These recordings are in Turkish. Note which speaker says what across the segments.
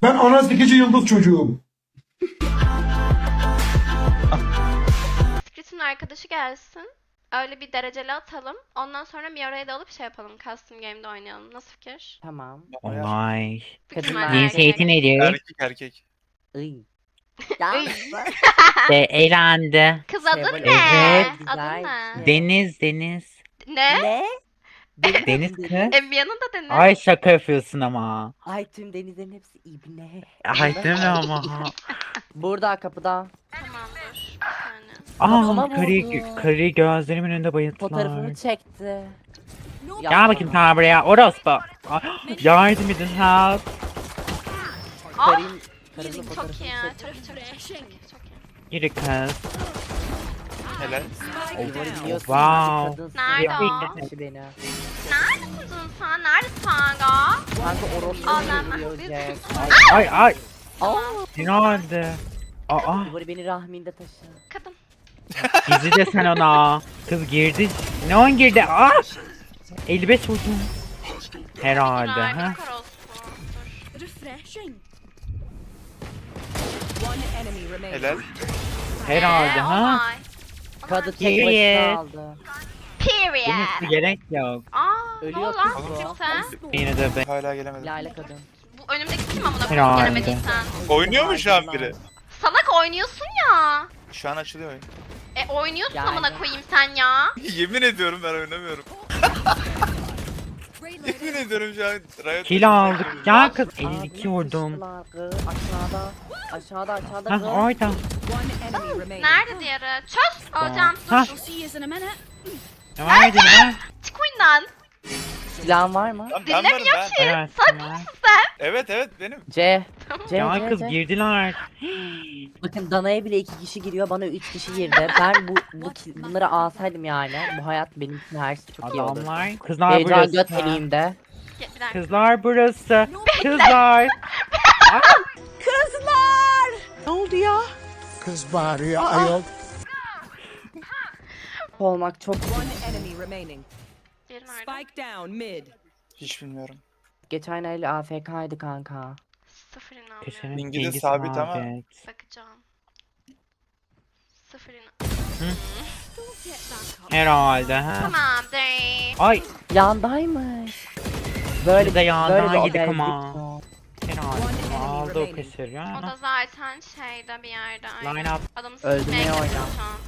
Speaker 1: Ben ana sikici yıldız çocuğum.
Speaker 2: Scritch'in arkadaşı gelsin. Öyle bir dereceli atalım. Ondan sonra Miora'yı da alıp şey yapalım. Custom game'de oynayalım. Nasıl fikir?
Speaker 3: Tamam.
Speaker 4: Olay.
Speaker 2: Mükemmel
Speaker 3: Kadınlar-
Speaker 4: Cinsiyeti nedir?
Speaker 5: Erkek erkek.
Speaker 3: Iy. Ya.
Speaker 4: De elendi.
Speaker 2: Kız adı
Speaker 3: Şey,
Speaker 2: ne?
Speaker 4: evet.
Speaker 2: Adı ne?
Speaker 4: Deniz, Deniz.
Speaker 2: Ne?
Speaker 3: Ne?
Speaker 4: Deniz kız.
Speaker 2: Envia'nın da Deniz.
Speaker 4: Ay şaka yapıyorsun ama.
Speaker 3: Ay tüm denizlerin hepsi ibne.
Speaker 4: Ay değil mi ama?
Speaker 3: Burada kapıda.
Speaker 2: Tamam dur. Bir saniye.
Speaker 3: Kafama
Speaker 4: Aa
Speaker 3: vurdu.
Speaker 4: karıyı gözlerimin önünde bayılttılar.
Speaker 3: Fotoğrafını çekti.
Speaker 4: Gel bakayım sen buraya. Orospu. Ay, yardım edin help.
Speaker 3: Karın, karının
Speaker 2: Çok
Speaker 3: fotoğrafını
Speaker 2: iyi ya.
Speaker 3: çekti.
Speaker 2: Çok iyi, çok iyi, çok iyi, çok iyi.
Speaker 4: Yürü kız.
Speaker 5: Helal.
Speaker 3: Ivori biliyorsun,
Speaker 4: Wow.
Speaker 3: kadınsın.
Speaker 2: Nerede
Speaker 4: o?
Speaker 3: Kişi beni.
Speaker 2: Neredesin sen? Neredesin kanka?
Speaker 3: Kanka orospu
Speaker 2: Aa, ben-
Speaker 3: vuruyor Jack.
Speaker 4: Ay ay.
Speaker 3: Aa.
Speaker 4: Ne oldu? Aa.
Speaker 3: Ivori beni rahminde taşı.
Speaker 2: Kadın.
Speaker 4: Gizli de sen ona. Kız girdi. Ne on girdi? Aa. 55 vurdum. Herhalde.
Speaker 2: Güzel,
Speaker 4: Ha?
Speaker 2: bir orospu. Dur.
Speaker 6: Refreshing. One enemy remaining.
Speaker 5: Helal.
Speaker 4: Herhalde ha?
Speaker 2: Olay.
Speaker 3: Kadı tek
Speaker 4: Period.
Speaker 3: başına aldı.
Speaker 2: Period.
Speaker 4: Demesi gerek yok.
Speaker 2: Aa, ne
Speaker 3: Ölüyor
Speaker 2: oldu lan
Speaker 3: kız bu.
Speaker 2: Script'e?
Speaker 4: Yine de ben.
Speaker 5: Hala gelemedim.
Speaker 3: Lale kadın.
Speaker 2: Bu önümdeki kim amına koyayım
Speaker 4: Herhalde.
Speaker 2: gelemediysen?
Speaker 5: Oynuyor mu şu an biri?
Speaker 2: Salak oynuyorsun ya.
Speaker 5: Şu an açılıyor oyun.
Speaker 2: Oynuyorsun
Speaker 3: Yani.
Speaker 2: amına koyayım sen ya.
Speaker 5: Yemin ediyorum ben oynamıyorum. Yemin ediyorum şu an Riot.
Speaker 4: Kill aldık. Gel kız.
Speaker 3: Ağzına
Speaker 4: 52 vurdum.
Speaker 3: sıçtılar kız. Aşağıda. Aşağıda
Speaker 4: Ha
Speaker 3: kız.
Speaker 4: orada.
Speaker 6: One enemy remaining.
Speaker 2: Nerede diğeri? Çöz. Hocam
Speaker 4: Ha.
Speaker 2: dur.
Speaker 6: I'll see you in a minute.
Speaker 4: Devam edin ha.
Speaker 2: Çık oyundan.
Speaker 3: Silahın var mı?
Speaker 5: Lan ben varım
Speaker 2: Dinlemiyor
Speaker 5: ben.
Speaker 2: ki.
Speaker 4: Evet.
Speaker 2: Salak mısın sen?
Speaker 5: Evet benim.
Speaker 3: C. C,
Speaker 4: Ya
Speaker 3: C,
Speaker 4: kız
Speaker 3: C.
Speaker 4: girdiler.
Speaker 3: Bakın Dana'ya bile 2 kişi giriyor, bana 3 kişi girdi. Ben bunları alsaydım yani. Bu hayat benim için her şey çok iyi olurdu.
Speaker 4: Adamlar. Kızlar
Speaker 3: Heyecan göt
Speaker 4: burası.
Speaker 3: eliğimde.
Speaker 2: Bir dakika.
Speaker 4: Kızlar burası. Kızlar.
Speaker 1: Kız bağırıyor ayol.
Speaker 3: Olmak çok
Speaker 6: One enemy remaining.
Speaker 2: Diğeri nerede?
Speaker 6: Spike down mid.
Speaker 5: Hiç bilmiyorum.
Speaker 3: geçen el AFK'ydı kanka.
Speaker 2: Sıfır inanmıyorum.
Speaker 4: Köşenin
Speaker 5: Bilgi de
Speaker 4: bilgi
Speaker 5: sabit ama.
Speaker 2: Bakacağım. Sıfır inan.
Speaker 4: Herhalde ha.
Speaker 2: Tamam değil.
Speaker 4: Ay.
Speaker 3: Yandaymış.
Speaker 4: Biz
Speaker 3: Böyle
Speaker 4: de yandan
Speaker 3: böyle
Speaker 4: yedik ama.
Speaker 3: obezlik
Speaker 4: Herhalde.
Speaker 6: One
Speaker 4: Aldı o
Speaker 6: enemy
Speaker 4: kaşır
Speaker 2: O
Speaker 4: ya.
Speaker 2: da zaten şeyde bir yerde. aynen.
Speaker 4: Line up.
Speaker 2: Adamı
Speaker 3: Öldürmeye
Speaker 2: sikmeye gidiyor
Speaker 3: oyna.
Speaker 2: şu an.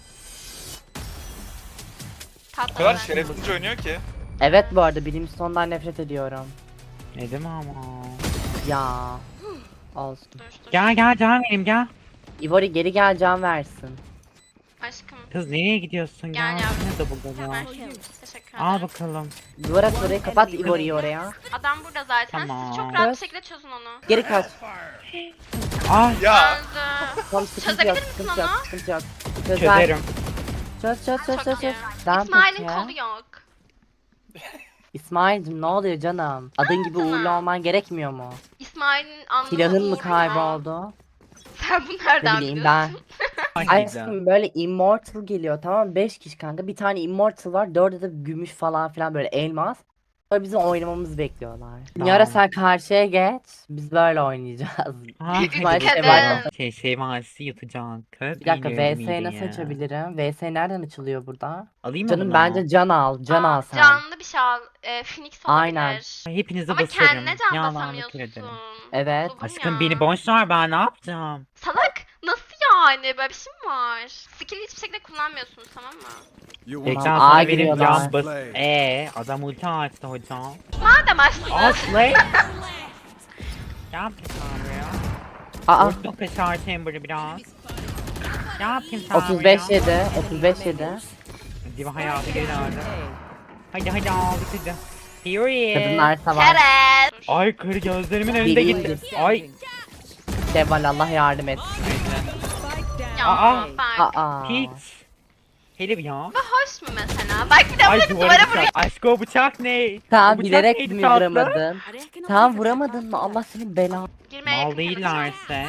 Speaker 5: O kadar
Speaker 2: Patladı.
Speaker 5: şerefsizce oynuyor ki.
Speaker 3: Evet bu arada Brimstone'dan nefret ediyorum.
Speaker 4: Ne değil mi ama?
Speaker 3: Ya. Olsun.
Speaker 2: Dur.
Speaker 4: Gel gel can vereyim gel.
Speaker 3: Ivori geri gel can versin.
Speaker 2: Aşkım.
Speaker 4: Kız nereye gidiyorsun?
Speaker 2: Gel
Speaker 4: Gel.
Speaker 2: yavrum.
Speaker 4: Ne de burada
Speaker 2: Hemen.
Speaker 4: ya.
Speaker 2: Teşekkür
Speaker 4: Al
Speaker 2: ederim.
Speaker 4: bakalım.
Speaker 3: Duvara orayı kapat Ivori'yi oraya.
Speaker 2: Adam burada zaten.
Speaker 4: Tamam.
Speaker 2: Siz çok rahat bir
Speaker 3: Evet.
Speaker 2: şekilde çözün onu.
Speaker 3: Geri kaç.
Speaker 4: Ay
Speaker 5: Ya.
Speaker 2: Öldü.
Speaker 3: Tamam sıkıntı
Speaker 2: Çözebilir
Speaker 3: yok
Speaker 2: misin
Speaker 3: sıkıntı yok
Speaker 2: onu?
Speaker 3: sıkıntı yok. Çözer.
Speaker 4: çözerim.
Speaker 3: Çöz çöz çöz çöz
Speaker 2: Çok iyi.
Speaker 3: çöz. Sen
Speaker 2: İsmail'in
Speaker 3: peki?
Speaker 2: kolu yok.
Speaker 3: İsmail'cim ne oluyor canım? Adın gibi
Speaker 2: Tamam.
Speaker 3: uğurlu olman gerekmiyor mu?
Speaker 2: İsmail'in anlamı
Speaker 3: Silahın mı
Speaker 2: uğurlu
Speaker 3: kayboldu?
Speaker 2: Sen bunu
Speaker 3: Ne
Speaker 2: nereden
Speaker 3: bileyim
Speaker 2: biliyorsun?
Speaker 3: ben.
Speaker 4: Ay,
Speaker 3: Aşkım böyle immortal geliyor tamam mı? 5 kişi kanka. Bir tane immortal var. 4'de de gümüş falan filan böyle elmas. Sonra bizim oynamamızı bekliyorlar.
Speaker 4: Tamam.
Speaker 3: Yara sen karşıya geç. Biz böyle oynayacağız.
Speaker 4: Ha,
Speaker 3: İsmail
Speaker 2: kadın.
Speaker 4: şey varsı yatacak.
Speaker 3: Bir dakika VS'yi nasıl açabilirim? VS nereden açılıyor burada?
Speaker 4: Alayım mı
Speaker 3: Canım
Speaker 4: bunu?
Speaker 3: bence can al. Can
Speaker 2: Aa,
Speaker 3: al sen.
Speaker 2: Canlı bir şey al. Phoenix olabilir.
Speaker 3: Aynen.
Speaker 4: Hepinize
Speaker 2: Ama
Speaker 4: basarım.
Speaker 2: kendine can
Speaker 4: Yalan
Speaker 2: basamıyorsun.
Speaker 4: ederim.
Speaker 3: Evet.
Speaker 2: Buldum
Speaker 4: Aşkım
Speaker 2: ya.
Speaker 4: beni boş ver ben ne yapacağım?
Speaker 2: Salak nasıl yani böyle bir şey mi var? Skill'i hiçbir şekilde kullanmıyorsunuz tamam mı?
Speaker 4: Ekran
Speaker 3: A
Speaker 4: sana benim
Speaker 3: giriyorlar.
Speaker 4: can bas. Adam ulti açtı hocam.
Speaker 2: Madem açtınız.
Speaker 4: Aslı. Ne yapayım sen buraya?
Speaker 3: Aa
Speaker 4: Vurdum kaçar chamber'ı biraz. Ne yapayım sen
Speaker 3: 35
Speaker 4: buraya?
Speaker 3: 7. 35 7.
Speaker 4: Diva hayatı geri döndü. Hadi aldık hadi. Period.
Speaker 3: Kadınlar savaş.
Speaker 2: Keren.
Speaker 4: Ay karı gözlerimin önünde
Speaker 3: Bileyim.
Speaker 4: gitti. Ay.
Speaker 3: Deval Allah yardım etsin.
Speaker 6: Spike down.
Speaker 2: Ya
Speaker 4: Aa.
Speaker 2: bak.
Speaker 3: Aa.
Speaker 4: Hiç. Herif ya.
Speaker 2: Bu hoş mu mesela? Bak bir de
Speaker 4: Ay
Speaker 2: böyle
Speaker 4: duvara
Speaker 2: duvara vuruyor.
Speaker 4: bıçak. Aşkı o bıçak ne?
Speaker 3: Tamam
Speaker 4: O bıçak
Speaker 3: bilerek
Speaker 4: neydi
Speaker 3: mi
Speaker 4: tatlı?
Speaker 3: vuramadın? Tamam vuramadın mı? Allah senin belanı.
Speaker 2: Girmeye
Speaker 4: Mal
Speaker 2: yakın
Speaker 4: değillerse.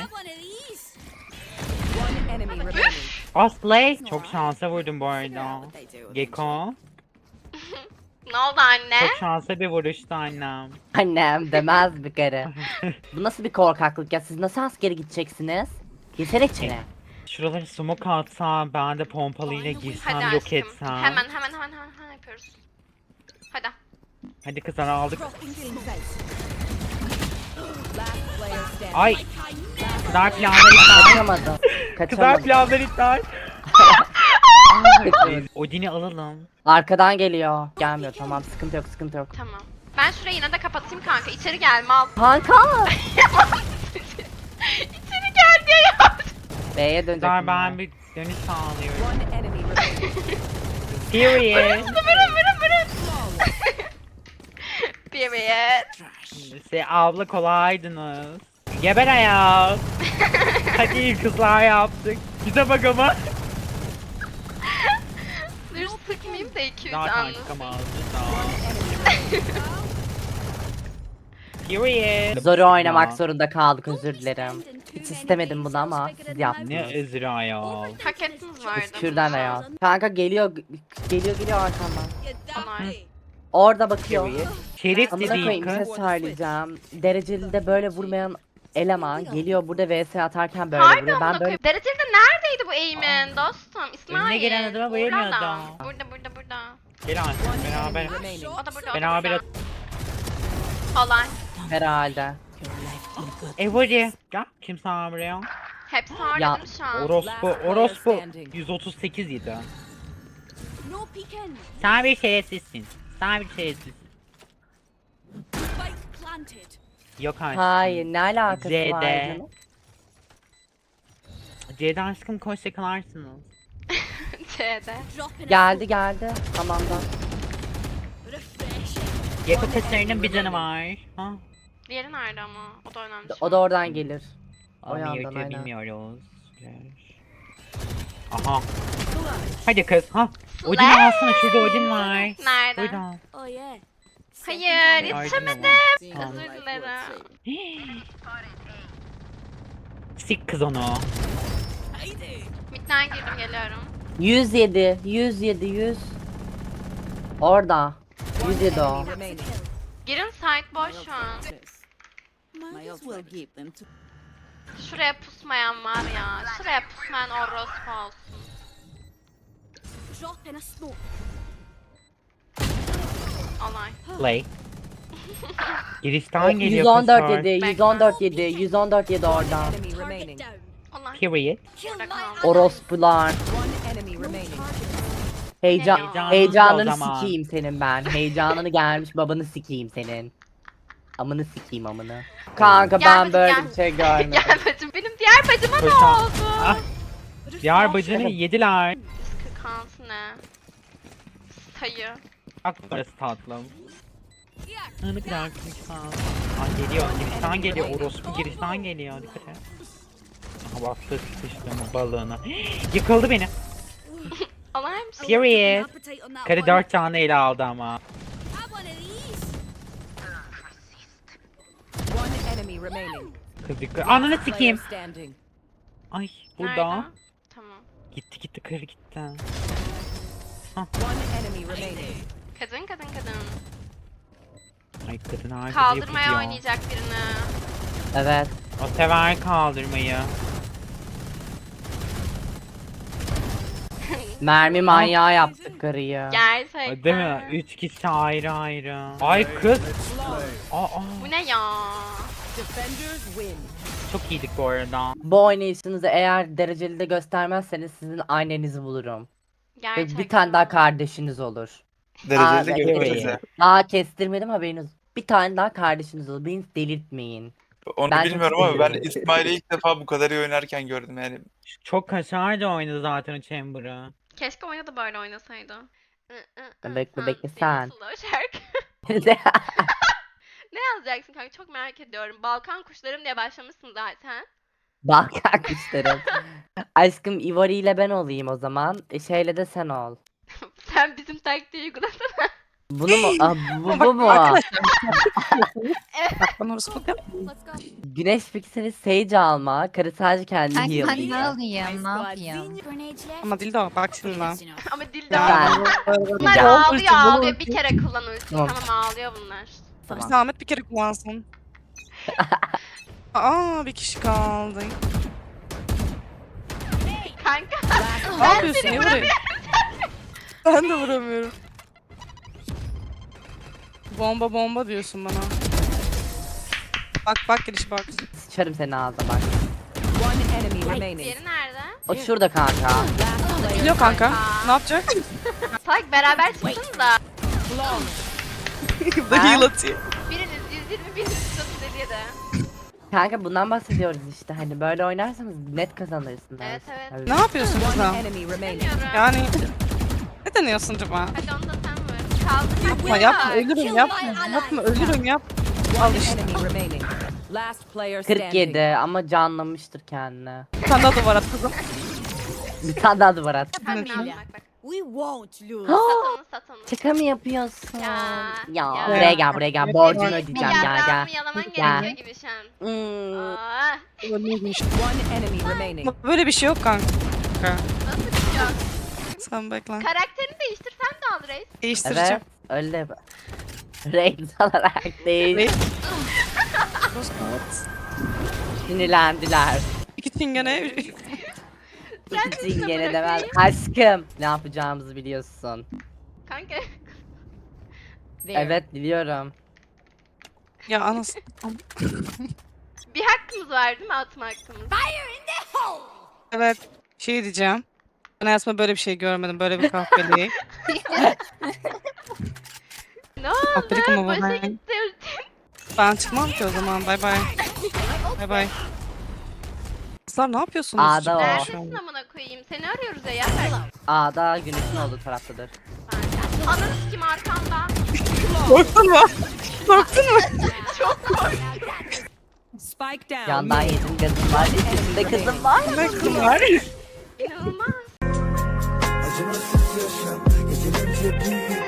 Speaker 6: One enemy remaining.
Speaker 4: Aslı. Çok şansa vurdum bu arada. Gecko.
Speaker 2: Ne oldu anne?
Speaker 4: Çok şanslı bir vuruştu annem.
Speaker 3: Annem demez bir kere. Bu nasıl bir korkaklık ya? Siz nasıl askere gideceksiniz? Girsene içeri.
Speaker 4: Şuraları smoke atsam, ben de pompalıyla girsem,
Speaker 2: Hadi
Speaker 4: yok
Speaker 2: aşkım.
Speaker 4: etsem.
Speaker 2: Hemen yapıyoruz. Hadi.
Speaker 4: Hadi kızlar aldık.
Speaker 6: Last player standing.
Speaker 4: Ay! Kızlar planları iptal.
Speaker 3: Kaçamadım.
Speaker 4: Kızlar
Speaker 3: Kaçamadım.
Speaker 4: planları iptal.
Speaker 3: Kaçamadım.
Speaker 4: Odin'i alalım.
Speaker 3: Arkadan geliyor. Gelmiyor, tamam, sıkıntı yok, sıkıntı yok.
Speaker 2: Tamam. Ben şurayı yine de kapatayım kanka. İçeri gel mal.
Speaker 3: Kanka!
Speaker 2: İçeri gel diye yaptım.
Speaker 3: B'ye dönecek.
Speaker 4: Kızlar
Speaker 3: bunlar.
Speaker 4: ben bir dönüş sağlıyorum.
Speaker 6: One enemy remaining.
Speaker 4: Period.
Speaker 2: Vurun. Period.
Speaker 4: Abla kolaydınız. Geber ayak. Hadi kızlar yaptık. Bize bak ama.
Speaker 2: Dur sıkmayayım da 2-3
Speaker 4: Zaten
Speaker 2: anlasın.
Speaker 4: çıkamazdı da. Period.
Speaker 3: Zoru oynamak zorunda kaldık, özür dilerim. Hiç istemedim bunu ama siz yaptınız.
Speaker 4: Ne özür ayol.
Speaker 2: Hak ettiniz vardı.
Speaker 3: Kürden de ya. Kanka geliyor arkamdan.
Speaker 2: Onlar.
Speaker 3: Orada bakıyor.
Speaker 4: Period. Şerif
Speaker 3: Amına
Speaker 4: dediğin
Speaker 3: koyayım, bir şey
Speaker 4: kız.
Speaker 3: söyleyeceğim. Dereceli de böyle vurmayan eleman geliyor burada vs atarken böyle
Speaker 2: Harbi
Speaker 3: vuruyor.
Speaker 2: amına
Speaker 3: Ben böyle
Speaker 2: koyayım. Dereceli de neredeydi bu eğimin dostum? İsmail.
Speaker 4: Önüne gelen adama bayılmıyor
Speaker 2: Burada.
Speaker 4: adam.
Speaker 2: Burada.
Speaker 4: Gel anne beraber.
Speaker 6: Remaining.
Speaker 2: O da burada.
Speaker 4: Beraber.
Speaker 2: Olay.
Speaker 3: herhalde.
Speaker 4: Evori. Gel. Kim sana buraya?
Speaker 2: Hepsi
Speaker 3: Ya,
Speaker 2: harcadım şu an.
Speaker 4: Orospu 138 idi. Sen bir şerefsizsin. Sen bir şerefsizsin. Yok artık.
Speaker 3: Hayır, ne alakası var
Speaker 4: Z'de.
Speaker 3: canım?
Speaker 4: C'de aşkım koş yakalarsınız.
Speaker 2: C'de.
Speaker 3: Geldi. Tamam da.
Speaker 4: Yakı kaçlarının bir canı var. Ha?
Speaker 2: Diğeri nerede ama? O da önemli.
Speaker 3: O da oradan gelir. O
Speaker 4: Onu
Speaker 3: yandan,
Speaker 4: yürütüyor
Speaker 3: aynen.
Speaker 4: bilmiyoruz. Aha. Hadi kız ha.
Speaker 2: Slay.
Speaker 4: Odin alsana, şurada Odin var.
Speaker 2: Nerede?
Speaker 4: Burada.
Speaker 2: Hayır,
Speaker 4: Odin
Speaker 2: yetişemedim.
Speaker 4: var.
Speaker 2: Özür dilerim.
Speaker 4: Sik kız onu.
Speaker 2: Midden girdim geliyorum.
Speaker 3: 107. Orada. 107 o.
Speaker 6: Enemy remaining.
Speaker 2: Girin site boş şu an. Şuraya pusmayan var ya. Şuraya pusmayan orospu olsun. Olay.
Speaker 4: Play. Girişten geliyor
Speaker 3: 114
Speaker 4: kızlar.
Speaker 3: yedi. 114 yedi oradan.
Speaker 6: Enemy remaining.
Speaker 2: Olay.
Speaker 4: Period.
Speaker 2: Burada kaldı.
Speaker 3: Orospular.
Speaker 6: One enemy remaining.
Speaker 3: Heyecanını
Speaker 4: Heyecanlı o zaman.
Speaker 3: sikeyim senin ben. Heyecanını gelmiş babanı sikeyim senin. Amını sikeyim amını. Kanka
Speaker 2: Gel
Speaker 3: ben
Speaker 2: bacım,
Speaker 3: böyle
Speaker 2: gel.
Speaker 3: bir şey görmedim.
Speaker 2: Gel bacım, benim diğer bacıma ne
Speaker 4: Koşan.
Speaker 2: oldu?
Speaker 4: Ah. Diğer bacını yediler.
Speaker 2: 146 ne? Sayı.
Speaker 4: Bak burası tatlım. Ne kadar küçük tatlım. Aa, geliyor. Girişten geliyor. Orospu girişten geliyor. Dikkat et. Aha bastı sıçtım balığına. Yıkıldı beni.
Speaker 2: Olay mısın?
Speaker 4: Period. Karı 4 tane ele aldı ama.
Speaker 6: One enemy remaining.
Speaker 4: Kız dikkat. Ananı
Speaker 6: Player
Speaker 4: sikeyim.
Speaker 6: standing.
Speaker 4: Ay burada.
Speaker 2: Nerede? Tamam.
Speaker 4: Gitti karı gitti.
Speaker 6: One enemy remaining.
Speaker 2: Kadın.
Speaker 4: Ay kadın harcı
Speaker 2: Kaldırmaya
Speaker 4: yapıyor.
Speaker 2: oynayacak birini.
Speaker 3: Evet.
Speaker 4: O sever kaldırmayı.
Speaker 3: Mermi manyağı yaptık karıyı.
Speaker 2: Gerçekten.
Speaker 4: Değil mi? 3 kişi ayrı ayrı. Ay kız. Aa,
Speaker 2: Bu ne ya?
Speaker 6: Defenders win.
Speaker 4: çok iyiydik bu arada.
Speaker 3: Bu oynayışınızı eğer dereceli de göstermezseniz sizin annenizi bulurum. Ve
Speaker 2: Gerçekten.
Speaker 3: bir tane daha kardeşiniz olur.
Speaker 5: Dereceli de
Speaker 3: Aa,
Speaker 5: görürüz ya.
Speaker 3: Daha kestirmedim haberiniz. Bir tane daha kardeşiniz olur. Beni delirtmeyin.
Speaker 5: Onu
Speaker 3: Ben çok
Speaker 5: bilmiyorum ama ben
Speaker 3: seviyorum.
Speaker 5: İsmail'i ilk defa bu kadar iyi oynarken gördüm yani.
Speaker 4: Çok kaşar da oynadı zaten o Chamber'ı.
Speaker 2: Keşke oyunda da böyle oynasaydı.
Speaker 3: Bekle sen.
Speaker 2: Slow şarkı. Ne yazacaksın kanka? Çok merak ediyorum. Balkan kuşlarım diye başlamışsın zaten.
Speaker 3: Balkan kuşlarım. Aşkım Ivory ile ben olayım o zaman. Şeyle de sen ol.
Speaker 2: Sen bizim taktiği uygulasana.
Speaker 3: Bunu mu? Bu mu?
Speaker 7: Arkadaşlar. Bak bana orospu yap.
Speaker 3: Güneş pikseli Sage alma. Karı sadece kendi
Speaker 8: Ben ne
Speaker 3: heal.
Speaker 8: alayım? Ne yapayım?
Speaker 7: Ama Dildo bak şimdi lan.
Speaker 2: Ama dildo.
Speaker 3: Ben.
Speaker 2: Bunlar
Speaker 3: Ya.
Speaker 2: ağlıyor ağlıyor. Bir kere kullan ultiyi.
Speaker 3: Tamam.
Speaker 2: Tamam ağlıyor bunlar.
Speaker 3: Tamam.
Speaker 7: Ahmet bir kere kullansın. Aa bir kişi kaldı.
Speaker 2: Kanka.
Speaker 7: Ne yapıyorsun? Niye vuruyorsun? Ben de vuramıyorum. Bomba diyorsun bana. Bak giriş bak.
Speaker 3: Sıçarım senin ağzına bak.
Speaker 6: One enemy remaining.
Speaker 2: Diğeri nerede?
Speaker 3: O şurada kanka.
Speaker 6: Last player.
Speaker 7: Geliyor kanka. Ne yapacak?
Speaker 2: Salak beraber çıktınız da.
Speaker 7: Bu da heal atıyor.
Speaker 2: Biriniz 120 biriniz 137.
Speaker 3: Kanka bundan bahsediyoruz işte. Hani böyle oynarsanız net kazanırsınız.
Speaker 2: Evet, evet.
Speaker 3: Tabii.
Speaker 7: Ne yapıyorsun
Speaker 6: One
Speaker 7: kızım?
Speaker 6: enemy remaining.
Speaker 2: Bilmiyorum.
Speaker 7: Yani ne deniyorsun acaba?
Speaker 2: Hadi onu da sen vur. Kaldı
Speaker 7: Yapma yapma ölürüm yapma ölürüm yap. Al
Speaker 6: One
Speaker 7: işte.
Speaker 6: enemy remaining. Last player standing.
Speaker 3: 47 ama canlamıştır kendini.
Speaker 7: Bir tane daha duvar at kızım.
Speaker 3: Bir tane daha duvar at.
Speaker 2: Hadi ne yapmak bak.
Speaker 6: We won't lose.
Speaker 2: Sat onu.
Speaker 3: Şaka mı yapıyorsun?
Speaker 2: Ya,
Speaker 3: Ya,
Speaker 2: ya.
Speaker 3: buraya gel. Borcunu
Speaker 2: Bir
Speaker 3: ödeyeceğim. Gel gel.
Speaker 2: yaprağımı yalaman
Speaker 3: Gel.
Speaker 2: gerekiyor gibi şu an.
Speaker 3: Hmm.
Speaker 2: Aa,
Speaker 6: One enemy remaining.
Speaker 7: Böyle bir şey yok kanka.
Speaker 2: nasıl bir şey yok?
Speaker 7: Sen bekle.
Speaker 2: Karakterini değiştirsen de al reis.
Speaker 7: Değiştireceğim.
Speaker 3: Evet. Öyle. Reis olarak değil. Sinirlendiler.
Speaker 7: İki çingene.
Speaker 2: Sen de işte
Speaker 3: Gene demez.
Speaker 2: bırakayım.
Speaker 3: Aşkım. Ne yapacağımızı biliyorsun.
Speaker 2: Kanka
Speaker 3: Evet biliyorum.
Speaker 7: Ya anasını.
Speaker 2: bir hakkımız var değil mi atma hakkımız?
Speaker 7: Evet. Şey diyeceğim. Ben hayatımda böyle bir şey görmedim. Böyle bir kahveliği.
Speaker 2: Ne oldu?
Speaker 7: Kahvelik ama bu
Speaker 2: Başa
Speaker 7: ben.
Speaker 2: gitti ultim.
Speaker 7: Ben çıkmam ki o zaman. Bay bay. Bay bay. Kızlar ne yapıyorsunuz?
Speaker 3: A'da o.
Speaker 2: Neredesin amına koyayım? Seni arıyoruz ya. Ver.
Speaker 3: A'da güneşin olduğu taraftadır.
Speaker 2: Ananı sikim arkamda.
Speaker 7: Korktun mu? Korktun mu?
Speaker 6: Spike down.
Speaker 3: Yandan yedim kızım var. İçinde kızım var.
Speaker 7: Ne kızım var?
Speaker 2: İnanılmaz.
Speaker 9: Acımasız yaşam, yeterince büyük